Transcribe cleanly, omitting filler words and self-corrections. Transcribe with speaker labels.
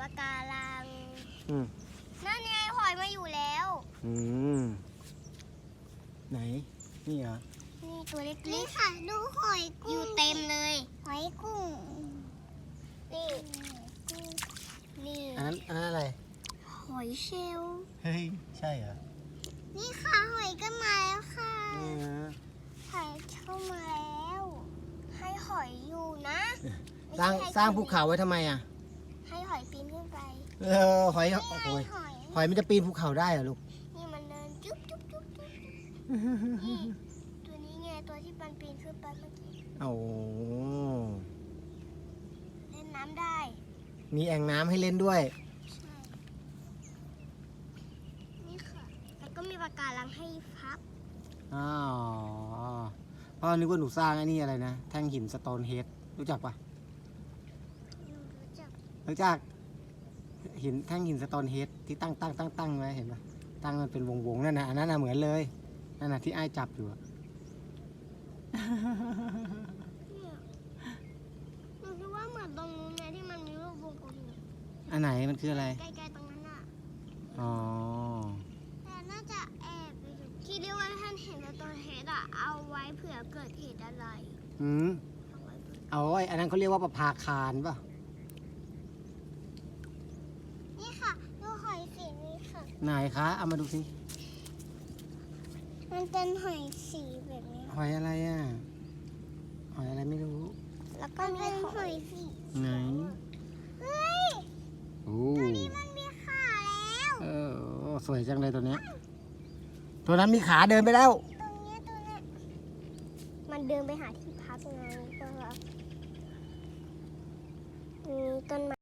Speaker 1: ะการัง
Speaker 2: อืม
Speaker 1: นั่นไงหอยมาอยู่แล้ว
Speaker 2: อืมไหนนี่เหรอ
Speaker 1: นี่ตัวเล็กๆนี่ค่ะดูหอยกุ้งอยู่เต็มเลยหอยกุ้งนี่นี่
Speaker 2: อันนั้นอะไร
Speaker 1: หอยเชลล์
Speaker 2: เฮ้ยใช่เหรอ
Speaker 1: นี่ค่ะหอยก็มาแล้วค่ะ
Speaker 2: นี่นะ
Speaker 1: หอยเข้ามาแล้ว ให้หอยอยู่นะ
Speaker 2: สร้างภูเขาไว้ทำไมอ่ะ
Speaker 1: ให้หอยปีนขึ้นไป
Speaker 2: หอย
Speaker 1: นี่
Speaker 2: โอ้
Speaker 1: ไง
Speaker 2: โห
Speaker 1: หอย
Speaker 2: หอยมันจะปีนภูเขาได้เหรอลูก
Speaker 1: นี่มันเดินจุ๊บจุ๊บจุ๊บจุ๊บนี่ตัวนี้ไงตัวที่มันปีนขึ้นไปเมื่อกี้
Speaker 2: โอ้
Speaker 1: เล่นน้ำได้
Speaker 2: มีแอ่งน้ำให้เล่นด้วย
Speaker 1: ใช่ นี่ค่ะ แล้วก็มีปะการังให้พับ
Speaker 2: อ๋อพ่อนึกว่าหนูสร้างไอ้นี่อะไรนะ แท่งหินสโตนเฮดรู้จักปะ
Speaker 1: หนูรู้จัก
Speaker 2: รู้จักหินแท่งหินสโตนเฮดที่ตั้งไว้เห็นปะตั้งมันเป็นวงๆนั่นนะอันนั้นนะเหมือนเลยนั่นนะที่ไอ้จับอยู่อะ
Speaker 1: เนี่ยหนูคิดว่าเหมือนตรงนู้นเลยที่มันมีรูปวงกลมอยู่
Speaker 2: อันไหนมันคืออะไร
Speaker 1: ใกล้ๆตรงนั้นน่ะ
Speaker 2: อ๋อ
Speaker 1: แต่น่าจะแอบไปอยู่ที่เรียกว่าท่านเห็นในตัวเฮดอะเอาไว้เผื่อเกิดเหตุอะไร
Speaker 2: อืม
Speaker 1: เอาไว้เผื่อ
Speaker 2: เอาไว้อันนั้นเขาเรียกว่าประภาคารป่ะ
Speaker 1: นี่ค่ะดูหอยสีนี้ค่ะ
Speaker 2: ไหนคะเอามาดูสิ
Speaker 1: มันเป็นหอยสีแบบนี้
Speaker 2: หอยอะไรอ่ะหอยอะไรไม่รู้
Speaker 1: แล้วก็มีหอยสี
Speaker 2: ไหน
Speaker 1: เฮ้ย
Speaker 2: โอ้
Speaker 1: ตัวนี้มันมีขาแล้ว
Speaker 2: สวยจังเลยตัวเนี้ยตัวนั้นมีขาเดินไปแล้ว
Speaker 1: ตรงเนี้ยมันเดินไปหาที่พักไงก็มีต้นไม้